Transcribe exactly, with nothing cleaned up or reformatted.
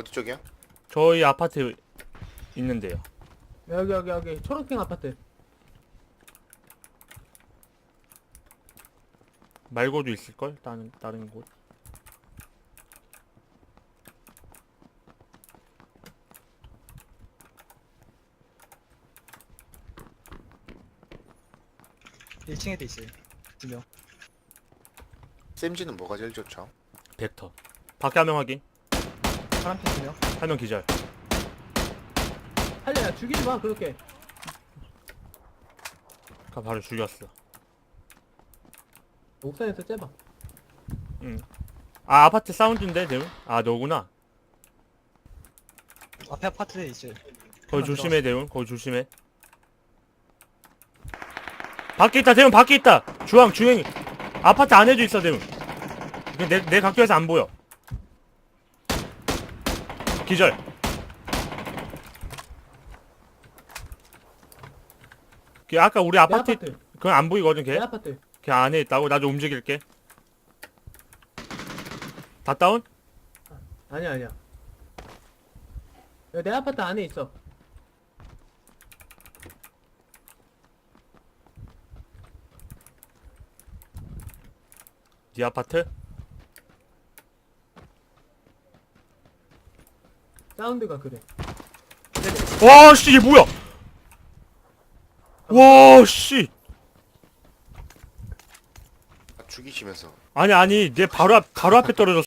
어디 쪽이야? 저희 아파트 있는데요. 여기 여기 여기 초록핑 아파트. 말고도 있을걸? 다른 다른 곳. 일 층에도 있어요. 두 명. 쌤지는 뭐가 제일 좋죠? 벡터. 밖에 한 명 확인. 파란핑 두 명. 한 명 기절. 할래야 죽이지 마 그렇게. 가 바로 죽였어. 옥상에서 째봐. 응. 아 아파트 사운드인데 대문? 아 너구나. 앞에 아파트에 있어요. 거기 하나 조심해 대문. 거기 조심해. 밖에 있다 대문 밖에 있다. 주황 주행. 아파트 안에도 있어 대문. 내 내 각도에서 안 보여. 기절. 걔 아까 우리 내 아파트 아파트. 그건 안 보이거든 내 걔. 아파트. 걔 안에 있다고. 나도 움직일게. 다 다운? 아니야 아니야. 야, 내 아파트 안에 있어. 네 아파트? 사운드가 그래. 와, 씨, 이게 뭐야? 와, 씨. 아, 죽이시면서 아니, 아니, 내 바로 앞, 바로 앞에 떨어졌어.